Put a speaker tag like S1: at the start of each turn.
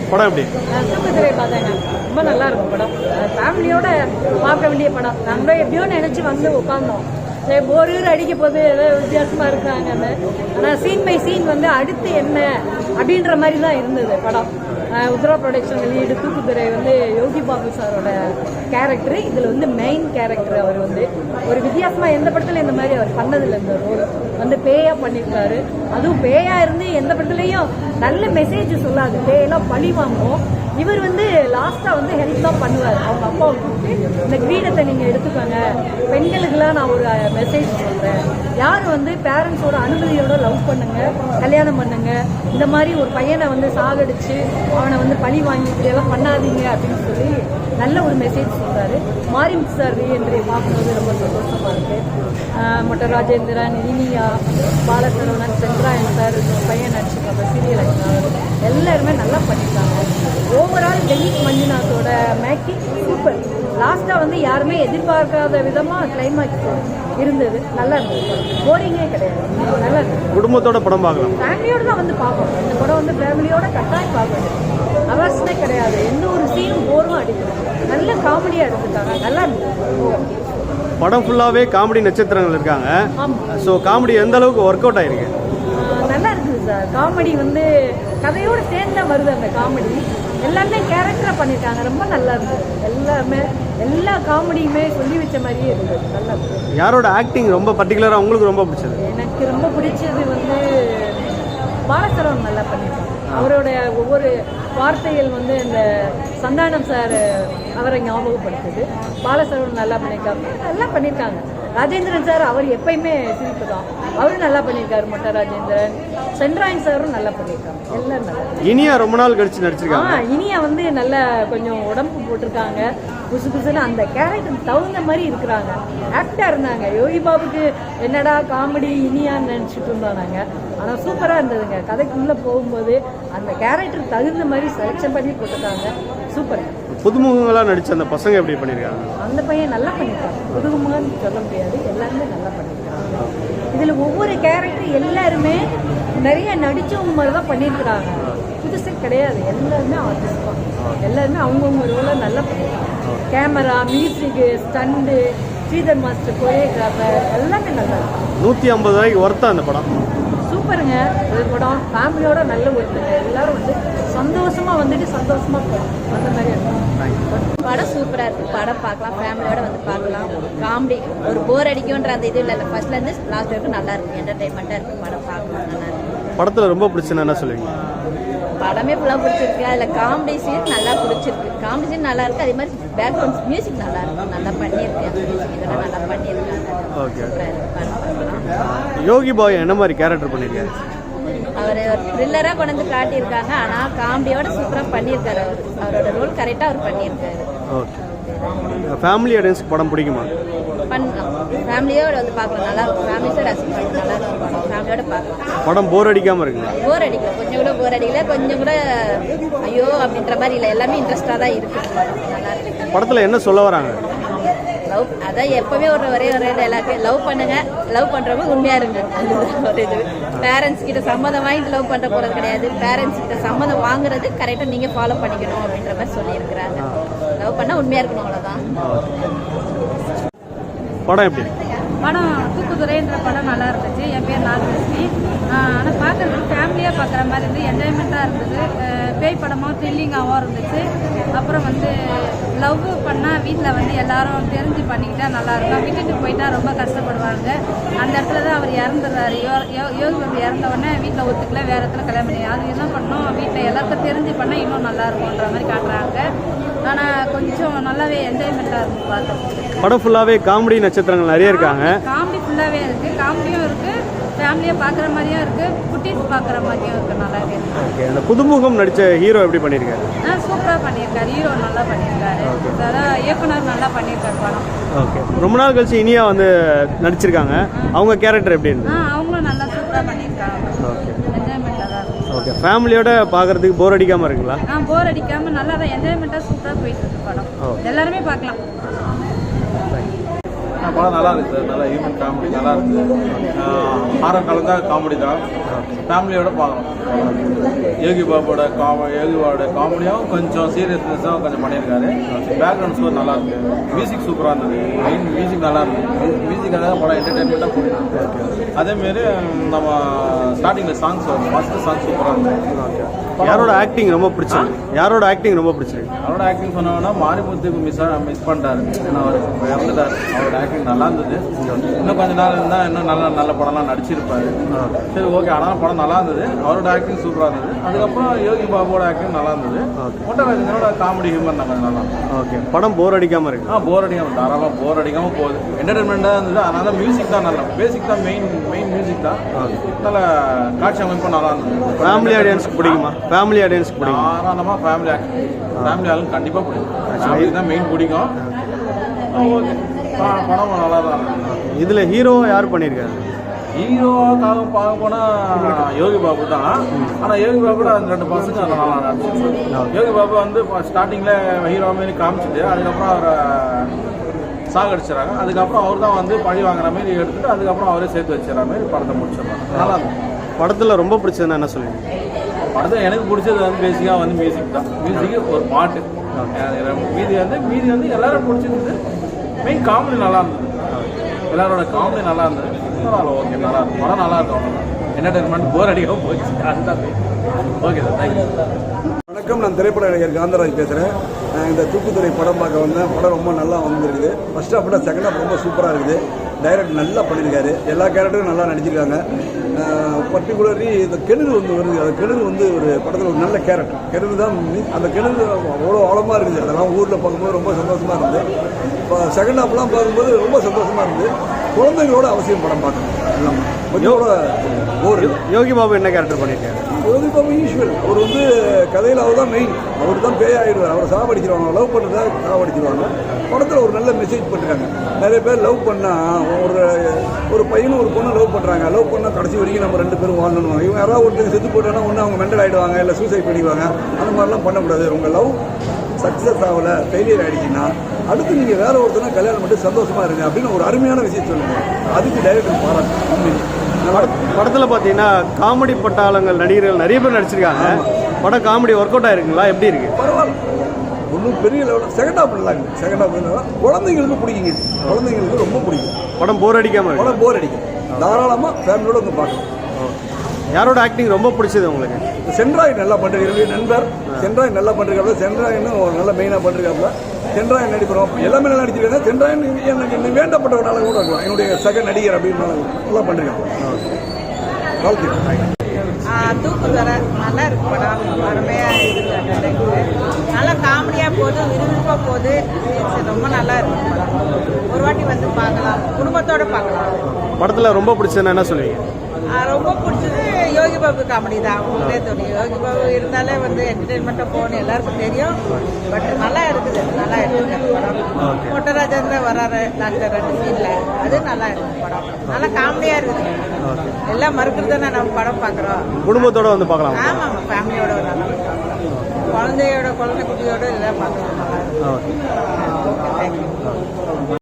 S1: படம் எப்படி?
S2: தூக்குதிரை பார்த்தேங்க, ரொம்ப நல்லா இருக்கும் படம். ஃபேமிலியோட பார்க்க வேண்டிய படம். நாங்கள் எப்படியோ நினச்சி வந்து உட்காந்தோம். சரி ஒரு அடிக்க போது ஏதோ வித்தியாசமாக இருக்காங்கன்னு. ஆனால் சீன் பை சீன் வந்து அடுத்து என்ன அப்படின்ற மாதிரி தான் இருந்தது படம். உத்ரா ப்ரொடக்ஷன் வெளியீடு தூக்குதுறை வந்து யோகி பாபு சாரோட கேரக்டர். இதில் வந்து மெயின் கேரக்டர். அவர் வந்து ஒரு வித்தியாசமாக எந்த படத்தில் இந்த மாதிரி அவர் பண்ணதில்லை. இந்த ரோல் வந்து பேயா பண்ணியிருக்காரு. அதுவும் பேயா இருந்து எந்த படத்துலையும் நல்ல மெசேஜ் சொல்லாது, பேயெல்லாம் பழி வாங்கும். இவர் வந்து லாஸ்ட்டாக வந்து ஹெல்ப் தான் பண்ணுவார். அவங்க அப்பாவை கூப்பிட்டு இந்த கிரீடத்தை நீங்கள் எடுத்துக்கோங்க, பெண்களுக்கெல்லாம் நான் ஒரு மெசேஜ் சொல்கிறேன், யாரும் வந்து பேரண்ட்ஸோட அனுமதியோட லவ் பண்ணுங்க, கல்யாணம் பண்ணுங்க, இந்த மாதிரி ஒரு பையனை வந்து சாகடிச்சு அவனை வந்து பழி வாங்கிட்டு எல்லாம் பண்ணாதீங்க அப்படின்னு சொல்லி நல்ல ஒரு மெசேஜ் சொல்கிறாரு. மாரி சார் என்று பார்க்கும்போது ரொம்ப சந்தோஷமாக இருக்குது. மொட்ட ராஜேந்திரன், இனியா, பாலசரவணன், சென்ட்ராயன் சார், பையன் நடிச்சிருக்காங்க, சீரியல் ஆக்டர் எல்லாருமே நல்லா பண்ணியிருக்காங்க. ஓவரால் டெல்லிக் மஞ்சுநாத்தோட மேக்கிங் சூப்பர். லாஸ்ட்டாக வந்து யாருமே எதிர்பார்க்காத விதமாக கிளைமேக்ஸ் இருந்தது. நல்லா இருந்தது, போரிங்கே கிடையாது, நல்லா இருந்தது.
S1: குடும்பத்தோட படம் பார்க்கலாம்,
S2: ஃபேமிலியோடு தான் வந்து பார்க்கணும். இந்த படம் வந்து ஃபேமிலியோட கட்டாயம் பார்க்கணும், அவசியமே கிடையாது. எந்த ஒரு சீனும் போரும் அடிக்கணும். நல்ல காமெடியாக எடுத்துட்டாங்க, நல்லா இருந்தது.
S1: படம் ஃபுல்லாகவே காமெடி நட்சத்திரங்கள் இருக்காங்க. ஸோ காமெடி எந்த அளவுக்கு ஒர்க் அவுட் ஆயிருக்கு?
S2: நல்லா இருக்குது சார். காமெடி வந்து கதையோடு சேர்ந்தா வருது. அந்த காமெடி எல்லாமே கேரக்டராக பண்ணியிருக்காங்க, ரொம்ப நல்லா இருந்தது. எல்லாமே எல்லா காமெடியுமே சொல்லி வச்ச மாதிரியே இருந்தது, நல்லா இருந்தது.
S1: யாரோட ஆக்டிங் ரொம்ப பர்டிகுலராக உங்களுக்கு ரொம்ப பிடிச்சது?
S2: எனக்கு ரொம்ப பிடிச்சது வந்து பாலசரவன் நல்லா பண்ணியிருக்காங்க. அவரோட ஒவ்வொரு வார்த்தைகள் வந்து இந்த சந்தானம் சார் அவரை ஞாபகப்படுத்துது. பாலசரவன் நல்லா பண்ணியிருக்காங்க. ராஜேந்திரன் சார் அவர் எப்பயுமே சிரிப்பு தான், அவரும் நல்லா பண்ணியிருக்காரு. மொட்ட ராஜேந்திரன், சென்ட்ராயன் சாரும் நல்லா பண்ணியிருக்காங்க. எல்லாம் நல்லா.
S1: இனியா ரொம்ப நாள் கழிச்சு நடிச்சிருக்காங்க.
S2: இனியா வந்து நல்லா கொஞ்சம் உடம்பு போட்டிருக்காங்க, புதுசு புதுசுன்னு அந்த கேரக்டர் தகுந்த மாதிரி இருக்கிறாங்க. ஆக்டாக இருந்தாங்க. யோகி பாபுக்கு என்னடா காமெடி இனியான்னு நினச்சிட்டு இருந்தோம் நாங்கள். ஆனால் சூப்பராக இருந்ததுங்க. கதைக்குள்ளே போகும்போது அந்த கேரக்டர் தகுந்த மாதிரி செலக்ஷன் பண்ணி போட்டிருக்காங்க, சூப்பர்.
S1: புதுமுகங்களாக நடித்த அந்த பசங்க எப்படி பண்ணியிருக்காங்க?
S2: அந்த பையன் நல்லா பண்ணியிருக்காங்க. புதுமுகம்னு சொல்ல முடியாது, எல்லாருமே நல்லா பண்ணியிருக்காங்க. இதில் ஒவ்வொரு கேரக்டர் எல்லாருமே நிறைய நடித்தவங்க மாதிரி தான் பண்ணியிருக்கிறாங்க, புதுசு கிடையாது. எல்லாருமே ஆர்டிஸ்ட் தான், எல்லாருமே அவங்கவுங்க ரோலை நல்லா பண்ணியிருக்காங்க. Camera, music, stunt, Sridhar master, choreographer எல்லாமே நல்லா இருக்கும்.
S1: 150 ரூபாய்க்கு ஒர்த்தா அந்த படம்?
S2: சூப்பருங்க. இது படம் ஃபேமிலியோட நல்ல ஒருத்தங்க, எல்லாரும் வந்து சந்தோஷமா வந்துட்டு சந்தோஷமா போகலாம், அந்த மாதிரி இருக்கும்.
S3: படம் சூப்பராக இருக்குது. படம் பார்க்கலாம், ஃபேமிலியோட வந்து பார்க்கலாம். காமெடி ஒரு போர் அடிக்கும்ன்ற அந்த இது இல்லை, ஃபர்ஸ்ட்லேருந்து லாஸ்ட் வரைக்கும் நல்லா இருக்குது, என்டர்டைன்மெண்ட்டாக இருக்குது. படம் பார்க்கலாம், நல்லா இருக்குது.
S1: படத்தில் ரொம்ப பிடிச்சதுன்னா என்ன சொல்லுவீங்க?
S3: படமே ஃபுல்லாக பிடிச்சிருக்கு. அதில் காமெடி சீன் நல்லா பிடிச்சிருக்கு. காமெடி சீன் நல்லா இருக்குது. அதே மாதிரி பேக்ரவுண்ட் மியூசிக் நல்லா இருக்கும், நல்லா பண்ணியிருக்கு. அந்த மியூசிக் இதெல்லாம் நல்லா பண்ணியிருக்காங்க.
S1: ஓகே.
S3: படம்
S1: யோகி பாய் என்ன மாதிரி கேரக்டர் பண்ணியிருக்காரு?
S3: அவர் ஒரு த்ரில்லராக கொண்டு வந்து காட்டியிருக்காங்க, ஆனால் காமெடியோட சூப்பராக பண்ணியிருக்காரு. அவரோட ரோல் கரெக்டாக அவர் பண்ணியிருக்காரு.
S1: ஓகே. ஃபேமிலி ஆடியன்ஸ்க்கு படம் பிடிக்குமா?
S3: பண்ணலாம், ஃபேமிலியோட வந்து பார்க்கலாம், நல்லா இருக்கும். ஃபேமிலியோட ரசிச்சு நல்லா இருக்கும் படம், ஃபேமிலியோட பார்க்கலாம்.
S1: படம் போர் அடிக்காமல் இருக்குங்க?
S3: போர் அடிக்கல, கொஞ்சம் கூட போர் அடிக்கல, கொஞ்சம் கூட ஐயோ அப்படின்ற மாதிரி இல்லை, எல்லாமே இன்ட்ரெஸ்டாக தான் இருக்குது. நல்லா இருக்கு.
S1: படத்தில் என்ன சொல்ல வராங்க?
S3: லவ், அதான் எப்பவுமே ஒரே எல்லாருக்கும் லவ் பண்ணுங்க, லவ் பண்ணுறவங்க உண்மையாக இருங்க. ஒரு இது பேரண்ட்ஸ் கிட்ட சம்மதம் வாங்கிட்டு லவ் பண்ணுற போகிறது கிடையாது, பேரண்ட்ஸ் கிட்ட சம்மதம் வாங்குறது கரெக்டாக நீங்கள் ஃபாலோ பண்ணிக்கணும் அப்படின்ற மாதிரி சொல்லியிருக்கிறாங்க. லவ் பண்ணால் உண்மையாக இருக்கணும், அவ்வளோதான்.
S1: படம் எப்படி?
S4: படம் தூக்குதுறைன்ற படம் நல்லா இருந்துச்சு. என் பேர் நாகலட்சுமி. ஆனால் பார்க்குறதுக்கு ஃபேமிலியாக பார்க்குற மாதிரி இருந்து என்ஜாய்மெண்ட்டாக இருந்தது. பேய் படமாக த்ரில்லிங்காகவும் இருந்துச்சு. அப்புறம் வந்து லவ் பண்ணால் வீட்டில் வந்து எல்லாரும் தெரிஞ்சு பண்ணிக்கிட்டா நல்லாயிருக்கும். விட்டுட்டு போயிட்டா ரொம்ப கஷ்டப்படுவாங்க. அந்த இடத்துல தான் அவர் இறந்துடுறாரு. யோகி வந்து இறந்தவொடனே வீட்டில் ஒத்துக்கல, வேறு இடத்துல கல்யாணம் பண்ணி அது என்ன பண்ணோம், வீட்டில் எல்லாருக்கும் தெரிஞ்சு பண்ணால் இன்னும் நல்லாயிருக்குன்ற மாதிரி காட்டுறாங்க. ஆனால் கொஞ்சம் நல்லாவே என்ஜாய்மெண்ட்டாக இருக்கும் பார்க்குறதுக்கு.
S1: படம் ஃபுல்லாகவே காமெடி நட்சத்திரங்கள் நிறைய இருக்காங்க.
S4: காமெடி ஃபுல்லாகவே இருக்குது, காமெடியும் இருக்குது, ஃபேமிலியாக பார்க்குற மாதிரியும் இருக்குது, குட்டீஸ் பார்க்குற மாதிரியும் இருக்குது, நல்லாவே இருக்குது.
S1: ஓகே. அந்த புதுமுகம் நடித்த ஹீரோ எப்படி பண்ணியிருக்காரு?
S4: சூப்பராக பண்ணியிருக்காரு. ஹீரோ நல்லா பண்ணியிருக்காரு. அதான் இயக்குனர் நல்லா பண்ணியிருக்காரு படம்.
S1: ஓகே. ரொம்ப நாள் கழிச்சு இனியா வந்து நடிச்சிருக்காங்க. அவங்க கேரக்டர் எப்படி இருந்தது?
S4: அவங்களும் நல்லா சூப்பராக பண்ணியிருக்காங்க.
S1: ஓகே.
S4: என்ஜாய்மெண்ட்டாக தான் இருக்குது.
S1: ஓகே. ஃபேமிலியோட பார்க்குறதுக்கு போர் அடிக்காமல் இருக்குங்களா?
S4: போர் அடிக்காமல் நல்லா தான் என்ஜாய்மெண்ட்டாக சூப்பராக போயிட்டு இருக்கு படம். எல்லாருமே பார்க்கலாம்.
S5: படம் நல்லா இருக்குது சார். நல்லா ஹியூமன் காமெடி நல்லா இருக்குது. ஹாரர் கலந்தா காமெடி தான். ஃபேமிலியோட பார்க்கலாம். யோகி பாபோட காமெடியாகவும் கொஞ்சம் சீரியஸ்னஸாகவும் கொஞ்சம் பண்ணியிருக்காரு. பேக்ரவுண்ட் ஸ்கோர் நல்லா இருக்கு. மியூசிக் சூப்பராக இருந்தது. மெயின் மியூசிக் நல்லா இருந்தது. மியூசிக்காக படம் என்டர்டைன்மெண்ட்டாக போயிருக்கு. அதேமாரி நம்ம ஸ்டார்டிங்கில் சாங்ஸ் வரும். ஃபஸ்ட்டு சாங் சூப்பராக இருந்தது.
S1: யாரோட ஆக்டிங் ரொம்ப பிடிச்சிருக்கு? யாரோட ஆக்டிங் ரொம்ப பிடிச்சிருக்கு?
S5: அவரோட ஆக்டிங் சொன்னோன்னா மாரிமுத்துக்கு மிஸ் பண்ணிட்டாரு. ஏன்னா அவர் இறந்துட்டார். அவரோட ஆக்டிங் நல்லா இருந்தது. இன்னும் கொஞ்ச நாள் இருந்தால் இன்னும் நல்ல படம்லாம் நடிச்சிருப்பாரு. சரி ஓகே. ஆனால் படம் நல்லா இருந்தது. அவரோட ஆக்டிங் சூப்பராக இருந்தது. அதுக்கப்புறம் யோகி பாபுவோட ஆக்டிங் நல்லா இருந்தது. மொட்டராஜனோட காமெடி ஹியூமர் நம்ம நல்லா இருந்தது.
S1: ஓகே. படம் போர் அடிக்காமல் இருக்கு?
S5: போர் அடிக்காமல் தாராளமாக போர் அடிக்காமல் போகுது. என்டர்டைன்மெண்ட்டாக இருந்தது. அதனால மியூசிக் தான் நல்லா. பேசிக் தான் மெயின் மியூசிக் தான். நல்ல காட்சி அமைப்பும் நல்லா இருந்தது.
S1: ஃபேமிலி ஆடியன்ஸ்க்கு பிடிக்குமா? ஃபேமிலி ஆடியன்ஸ்க்கு பிடிக்கும்?
S5: தாராளமாக ஃபேமிலி ஆளுங்க கண்டிப்பாக பிடிக்கும். ஃபேமிலி தான் மெயின் பிடிக்கும். ஓகே. படம் நல்லா தான் இருக்கும்.
S1: இதில் ஹீரோவை யார் பண்ணியிருக்காரு?
S5: ஹீரோக்காக பார்க்க போனால் யோகி பாபு தான். ஆனால் யோகி பாபு கூட அந்த 2 பசங்க நல்லா நடிச்சிருக்காங்க. யோகி பாபு வந்து ஸ்டார்டிங்கில் ஹீரோ மாரி காமிச்சிட்டு அதுக்கப்புறம் அவரை சாகடிச்சிடறாங்க. அதுக்கப்புறம் அவர் தான் வந்து பழி வாங்குற மாதிரி எடுத்துட்டு அதுக்கப்புறம் அவரே சேர்த்து வச்சுற மாதிரி படத்தை முடிச்சிடறாங்க. நல்லா இருக்கும்.
S1: படத்தில் ரொம்ப பிடிச்சதுன்னா என்ன சொல்லுவீங்க?
S5: படத்தில் எனக்கு பிடிச்சது வந்து பேசிக்காக வந்து மியூசிக் தான். மியூசிக்கு ஒரு பாட்டு. மீதி வந்து எல்லாரும் பிடிச்சிருந்தது. மெயின் காமெடி நல்லா இருந்தது. எல்லாரோட காமெடி நல்லா இருந்தது. பரவாயில்ல. ஓகே. நல்லா இருக்கும். படம் நல்லா இருக்கும். என்டர்டைன்மெண்ட் போர் அடிக்காமல் போச்சு. அதுதான் ஓகே சார். தேங்க்யூ.
S6: வணக்கம். நான் திரைப்பட நடிகர் காந்தராஜ் பேசுகிறேன். இந்த தூக்குதுறை படம் பார்க்க வந்தேன். படம் ரொம்ப நல்லா வந்துருக்குது. ஃபர்ஸ்ட் ஹாஃப் விட செகண்ட் ஹாஃப் ரொம்ப சூப்பராக இருக்குது. டைரக்டர் நல்லா பண்ணியிருக்காரு. எல்லா கேரக்டரும் நல்லா நடிச்சிருக்காங்க. பர்டிகுலர்லி இந்த கிணறு வந்து வருது. அந்த கிணறு வந்து ஒரு படத்தில் ஒரு நல்ல கேரக்டர். கிணறு தான் அந்த கிணறு அவ்வளோ ஆழமாக இருக்குது. அதெல்லாம் ஊரில் பார்க்கும்போது ரொம்ப சந்தோஷமாக இருந்தது. இப்போ செகண்ட் ஹாஃப்லாம் பார்க்கும்போது ரொம்ப சந்தோஷமாக இருந்தது. குழந்தைங்களோட அவசியம் படம் பார்க்கணும். எல்லாம் கொஞ்சம் ஒரு
S1: யோகி பாபு என்ன கேரக்டர் பண்ணியிருக்காரு?
S6: யோகி பாபு யூஸ்வல். அவர் வந்து கதையில் அவர் தான் மெயின். அவர் தான் பேயாயிடுவார். அவரை சாவடிச்சிருவாங்க. லவ் பண்ணுறதா சாவடிச்சிருவாங்க. படத்தில் ஒரு நல்ல மெசேஜ் பண்ணிருக்காங்க. நிறைய பேர் லவ் பண்ணால் ஒரு பையனும் ஒரு பொண்ணு லவ் பண்ணுறாங்க. லவ் பண்ணால் கடைசி வரைக்கும் நம்ம 2 பேரும் வாழணும். இவங்க யாராவது ஒருத்தர் செத்து போட்டோன்னா ஒன்று அவங்க மெண்டல் ஆகிடுவாங்க, இல்லை சூசைட் பண்ணிடுவாங்க. அந்த மாதிரிலாம் பண்ணக்கூடாது. உங்கள் லவ் சக்ஸஸ் ஆகலை, ஃபெயிலியர் ஆகிடுச்சின்னா அடுத்து நீங்கள் வேற ஒருத்தனா கல்யாணம் பண்ணி சந்தோஷமாக இருங்க அப்படின்னு ஒரு அருமையான விஷயம் சொல்லுங்கள். அதுக்கு டைரக்டர் பாராட்டு.
S1: படத்தில் பார்த்தீங்கன்னா காமெடி பட்டாளங்கள் நடிகர்கள் நிறைய பேர் நடிச்சிருக்காங்க. படம் காமெடி ஒர்க் அவுட் ஆயிருக்குங்களா? எப்படி இருக்கு?
S6: பரவாயில்ல. ஒன்றும் பெரிய லெவலில் செகண்ட் ஹாஃப் நல்லா இருக்குது. செகண்ட் ஹாஃப் குழந்தைங்களுக்கு பிடிக்குங்க. குழந்தைங்களுக்கு ரொம்ப பிடிக்கும்.
S1: படம் போர் அடிக்காமல் இருக்கு?
S6: படம் போர் அடிக்கும். தாராளமாக ஃபேமிலியோட வந்து பார்க்கலாம்.
S1: யாரோட ஆக்டிங் ரொம்ப பிடிச்சது உங்களுக்கு?
S6: சென்ட்ராய் நல்லா பண்ணுறீங்க. நண்பர் சென்ட்ராய் நல்லா பண்ணுறாப்புல. சென்ட்ராயின்னு ஒரு நல்ல மெயினாக பண்ணுறாப்புல. சென்ட்ராயன் நடிக்கிறோம். எல்லாமே நல்லா நடிச்சிருக்காங்க. சென்ட்ராயன் எனக்கு வேண்டப்பட்டவனால கூட இருக்கலாம். என்னுடைய சக நடிகர் அப்படின்னு நல்லா பண்ணிருக்காங்க. வாழ்த்துக்கள்.
S7: தூக்குதுறை நல்லா இருக்கு. படம் அருமையாக இருக்குது. நல்லா காமெடியாக போகுது, விறுவிறுப்பாக போகுது. ரொம்ப நல்லா இருக்கு படம். ஒரு வாட்டி வந்து பார்க்கலாம். குடும்பத்தோடு பார்க்கலாம்.
S1: படத்தில் ரொம்ப பிடிச்சதுன்னா என்ன சொல்லுவீங்க?
S7: ரொம்ப பிடிச்சது யோகி பாபு காமெடி தான். அவங்களே தெரியும். யோகி பாபு இருந்தாலே வந்து என்டர்டெயின்மெண்ட்டாக போகணும் எல்லாருக்கும் தெரியும். பட் நல்லா இருக்குது. நல்லா இருக்குது படம். மொட்டராஜன் தான் வராரு டாக்டர் 2 சீனில். அது நல்லா இருக்குது படம். நல்லா காமெடியாக இருக்குது. எல்லாம் மறுக்கிறது தானே நம்ம படம் பார்க்குறோம்.
S1: குடும்பத்தோட வந்து பார்க்கலாம்.
S7: ஆமாம். ஃபேமிலியோட நல்லா குழந்தை குட்டியோட எல்லாம் பார்க்கலாம். நல்லா இருக்குது. ஓகே. தேங்க்யூ.